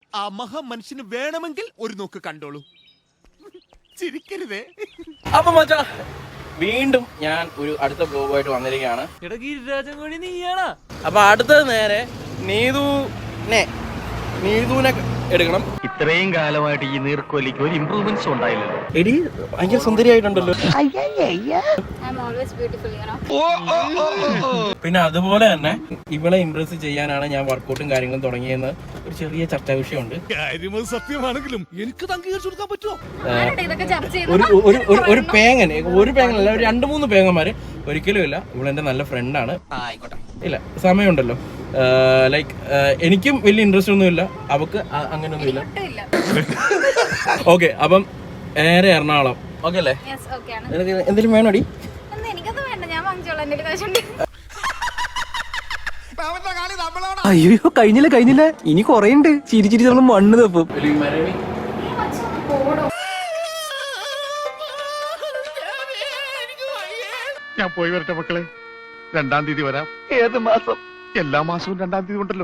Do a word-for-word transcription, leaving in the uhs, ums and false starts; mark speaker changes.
Speaker 1: ആ മഹാ മനുഷ്യന് വേണമെങ്കിൽ ഒരു നോക്ക് കണ്ടോളൂ. ചിരിക്കരുതേ.
Speaker 2: അപ്പൊ മച്ചാ വീണ്ടും ഞാൻ ഒരു അടുത്ത ബ്ലോഗുമായിട്ട് വന്നിരിക്കുകയാണ്. അപ്പൊ അടുത്തത് നേരെ നീതുനെ നീതുനെ എടുക്കണം.
Speaker 3: ഇത്രയും കാലമായിട്ട് ഈ നീർക്കോലിക്ക് ഒരു ഇംപ്രൂവ്മെന്റ്സ് ഉണ്ടായില്ലല്ലോ.
Speaker 2: എടി ഭയങ്കര സുന്ദരിയായിട്ടുണ്ടല്ലോ. പിന്നെ അതുപോലെ തന്നെ ഇവളെ ഇംപ്രസ് ചെയ്യാനാണ് ഞാൻ വർക്കൗട്ടും കാര്യങ്ങളും തുടങ്ങിയെന്ന് ഒരു ചെറിയ ചർച്ചാ വിഷയമുണ്ട്.
Speaker 1: സത്യമാണെങ്കിലും എനിക്ക് അംഗീകരിച്ചു കൊടുക്കാൻ പറ്റുമോ?
Speaker 2: ഒരു ഒരു ഒരു പേങ്ങൻ ഒരു പേങ്ങനല്ല, ഒരു രണ്ട് മൂന്ന് പേങ്ങന്മാര് ഒരിക്കലും ഇല്ല. ഇവളെന്റെ നല്ല ഫ്രണ്ടാണ്. ആയിക്കോട്ടെ, ഇല്ല സമയമുണ്ടല്ലോ. ലൈക്ക് എനിക്കും വലിയ ഇൻട്രസ്റ്റ് ഒന്നും ഇല്ല, അവക്ക് അങ്ങനെയൊന്നും ഇല്ല. ഓക്കെ, അപ്പം നേരെ എറണാകുളം. ഓക്കെ അല്ലേ? എന്തെങ്കിലും വേണോടി?
Speaker 4: അയ്യോ കഴിഞ്ഞില്ല കഴിഞ്ഞില്ല ഇനി കൊറേ ഉണ്ട്. ചിരി ചിരി നമ്മൾ മണ്ണ് തപ്പും.
Speaker 3: ഞാൻ പോയി വരട്ടെ മക്കളെ. രണ്ടാം തീയതി വരാം.
Speaker 4: ഏത് മാസം?
Speaker 3: എല്ലാ മാസവും രണ്ടാം തീയതി ഉണ്ടല്ലോ.